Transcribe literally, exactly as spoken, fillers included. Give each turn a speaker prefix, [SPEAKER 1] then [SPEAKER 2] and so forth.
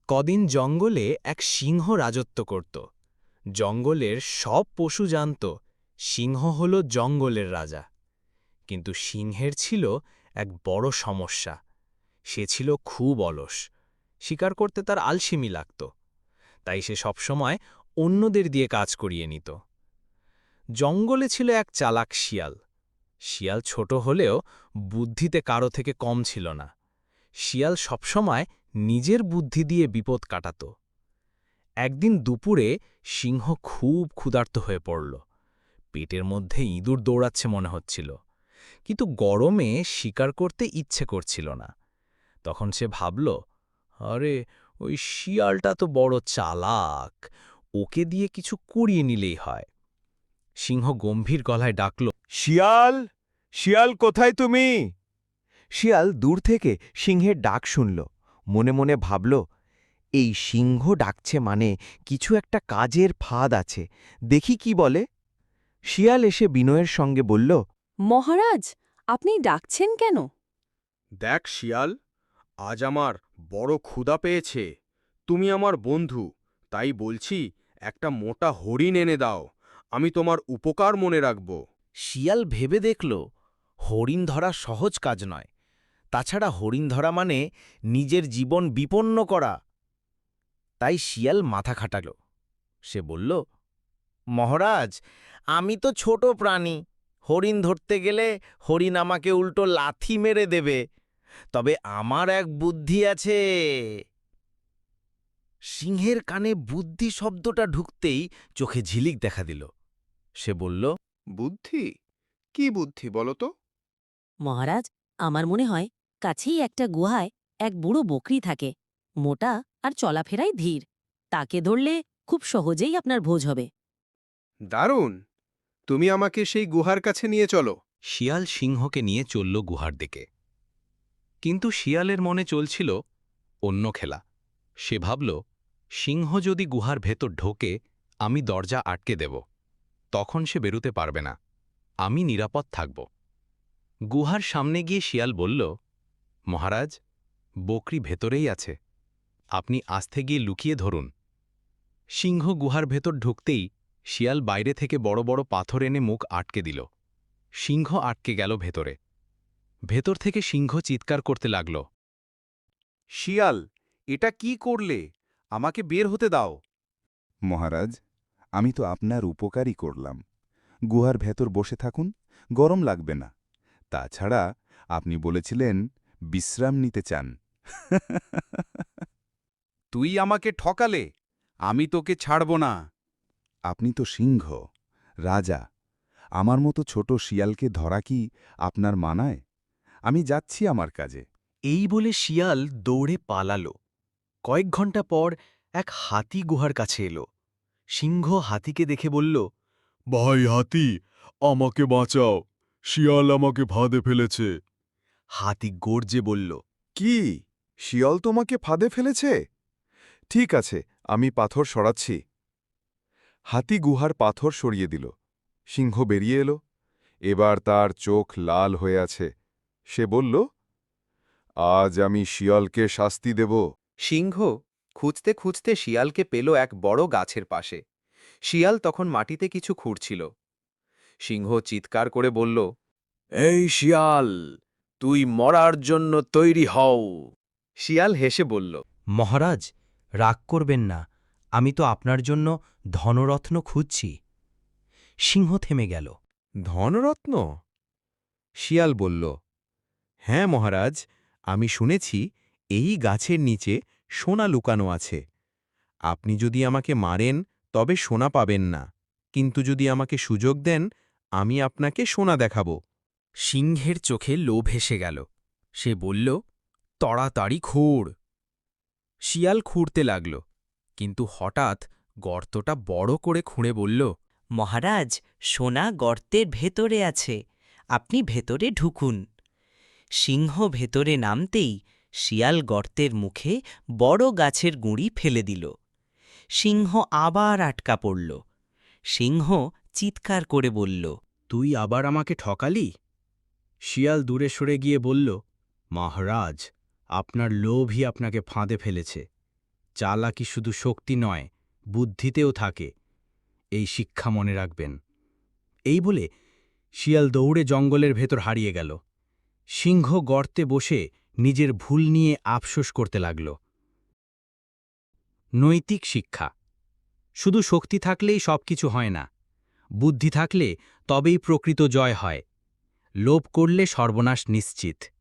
[SPEAKER 1] কদিন জঙ্গলে এক সিংহ রাজত্ব করত। জঙ্গলের সব পশু জানত সিংহ হল জঙ্গলের রাজা। কিন্তু সিংহের ছিল এক বড় সমস্যা। সে ছিল খুব অলস, শিকার করতে তার আলসেমি লাগত। তাই সে সবসময় অন্যদের দিয়ে কাজ করিয়ে নিত। জঙ্গলে ছিল এক চালাক শিয়াল। শিয়াল ছোট হলেও বুদ্ধিতে কারো থেকে কম ছিল না। শিয়াল সবসময় নিজের বুদ্ধি দিয়ে বিপদ কাটাত। একদিন দুপুরে সিংহ খুব ক্ষুধার্ত হয়ে পড়ল। পেটের মধ্যে ইঁদুর দৌড়াচ্ছে মনে হচ্ছিল, কিন্তু গরমে শিকার করতে ইচ্ছে করছিল না। তখন সে ভাবল, আরে ওই শিয়ালটা তো বড় চালাক, ওকে দিয়ে কিছু করিয়ে নিলেই হয়। সিংহ গম্ভীর গলায় ডাকল,
[SPEAKER 2] শিয়াল, শিয়াল কোথায় তুমি? শিয়াল দূর থেকে সিংহের ডাক শুনল। মনে মনে ভাবল, এই সিংহ ডাকছে মানে কিছু একটা কাজের ফাঁদ আছে, দেখি কি বলে। শিয়াল এসে বিনয়ের সঙ্গে বলল,
[SPEAKER 3] মহারাজ, আপনি ডাকছেন কেন?
[SPEAKER 4] দেখ শিয়াল, আজ আমার বড় ক্ষুধা পেয়েছে। তুমি আমার বন্ধু, তাই বলছি একটা মোটা হরিণ এনে দাও, আমি তোমার উপকার মনে রাখব।
[SPEAKER 5] শিয়াল ভেবে দেখল, হরিণ ধরা সহজ কাজ নয়। তাছাড়া হরিণ ধরা মানে নিজের জীবন বিপন্ন করা। তাই শিয়াল মাথা খাটাল। সে বলল, মহারাজ, আমি তো ছোট প্রাণী, হরিণ ধরতে গেলে হরিণ আমাকে উল্টো লাথি মেরে দেবে। তবে আমার এক বুদ্ধি আছে। সিংহের কানে বুদ্ধি শব্দটা ঢুকতেই চোখে ঝিলিক দেখা দিল। সে বলল,
[SPEAKER 4] বুদ্ধি? কি বুদ্ধি বলো তো?
[SPEAKER 3] মহারাজ, আমার মনে হয় কাছেই একটা গুহায় এক বুড়ো বকরি থাকে, মোটা আর চলাফেরায় ধীর। তাকে ধরলে খুব সহজেই আপনার ভোজ হবে।
[SPEAKER 4] দারুণ! তুমি আমাকে সেই গুহার কাছে নিয়ে চলো।
[SPEAKER 1] শিয়াল সিংহকে নিয়ে চলল গুহার দিকে। কিন্তু শিয়ালের মনে চলছিল অন্য খেলা। সে ভাবল, সিংহ যদি গুহার ভেতর ঢোকে, আমি দরজা আটকে দেব। তখন সে বেরুতে পারবে না, আমি নিরাপদ থাকব। গুহার সামনে গিয়ে শিয়াল বলল, মহারাজ, বকরি ভেতরেই আছে, আপনি আস্তে গিয়ে লুকিয়ে ধরুন। সিংহ গুহার ভেতর ঢুকতেই শিয়াল বাইরে থেকে বড় বড় পাথর এনে মুখ আটকে দিল। সিংহ আটকে গেল ভেতরে। ভেতর থেকে সিংহ চিৎকার করতে লাগল,
[SPEAKER 4] শিয়াল, এটা কি করলে? আমাকে বের হতে দাও।
[SPEAKER 6] মহারাজ, আমি তো আপনার উপকারই করলাম। গুহার ভেতর বসে থাকুন, গরম লাগবে না। তাছাড়া আপনি বলেছিলেন বিশ্রাম নিতে চান।
[SPEAKER 4] তুই আমাকে ঠকালে, আমি তোকে ছাড়ব না।
[SPEAKER 6] আপনি তো সিংহ, রাজা। আমার মতো ছোট শিয়ালকে ধরা কি আপনার মানায়? আমি যাচ্ছি আমার কাজে।
[SPEAKER 1] এই বলে শিয়াল দৌড়ে পালাল। কয়েক ঘন্টা পর এক হাতি গুহার কাছে এলো। সিংহ হাতিকে দেখে বলল,
[SPEAKER 2] ভাই হাতি, আমাকে বাঁচাও, শিয়াল আমাকে ফাঁদে ফেলেছে।
[SPEAKER 1] হাতি গর্জে বলল,
[SPEAKER 6] কি, শিয়াল তোমাকে ফাঁদে ফেলেছে? ঠিক আছে, আমি পাথর সরাচ্ছি। হাতি গুহার পাথর সরিয়ে দিল। সিংহ বেরিয়ে এলো। এবার তার চোখ লাল হয়ে আছে। সে বলল, আজ আমি শিয়ালকে শাস্তি দেব।
[SPEAKER 7] সিংহ খুঁজতে খুঁজতে শিয়ালকে পেল এক বড় গাছের পাশে। শিয়াল তখন মাটিতে কিছু খুঁড়ছিল। সিংহ চিৎকার করে বলল,
[SPEAKER 5] এই শিয়াল, তুই মরার জন্য তৈরি হও।
[SPEAKER 7] শিয়াল হেসে বলল,
[SPEAKER 1] মহারাজ, রাগ করবেন না, আমি তো আপনার জন্য ধনরত্ন খুঁজছি। সিংহ থেমে গেল।
[SPEAKER 7] ধনরত্ন? শিয়াল বলল, হ্যাঁ মহারাজ, আমি শুনেছি এই গাছের নিচে সোনা লুকানো আছে। আপনি যদি আমাকে মারেন তবে সোনা পাবেন না, কিন্তু যদি আমাকে সুযোগ দেন আমি আপনাকে সোনা দেখাব।
[SPEAKER 1] সিংহের চোখে লোভ এসে গেল। সে বলল, তাড়াতাড়ি খুঁড়। শিয়াল খুঁড়তে লাগল, কিন্তু হঠাৎ গর্তটা বড় করে খুঁড়ে বলল,
[SPEAKER 8] মহারাজ, সোনা গর্তের ভেতরে আছে, আপনি ভেতরে ঢুকুন। সিংহ ভেতরে নামতেই শিয়াল গর্তের মুখে বড় গাছের গুঁড়ি ফেলে দিল। সিংহ আবার আটকা পড়ল। সিংহ চিৎকার করে বলল,
[SPEAKER 1] তুই আবার আমাকে ঠকালি? শিয়াল দূরে সরে গিয়ে বলল, মহারাজ, আপনার লোভই আপনাকে ফাঁদে ফেলেছে। চালাকি শুধু শক্তি নয়, বুদ্ধিতেও থাকে। এই শিক্ষা মনে রাখবেন। এই বলে শিয়াল দৌড়ে জঙ্গলের ভেতর হারিয়ে গেল। সিংহ গর্তে বসে নিজের ভুল নিয়ে আফসোস করতে লাগল। নৈতিক শিক্ষা। শুধু শক্তি থাকলেই সবকিছু হয় না। বুদ্ধি থাকলে তবেই প্রকৃত জয় হয়। লোভ করলে সর্বনাশ নিশ্চিত।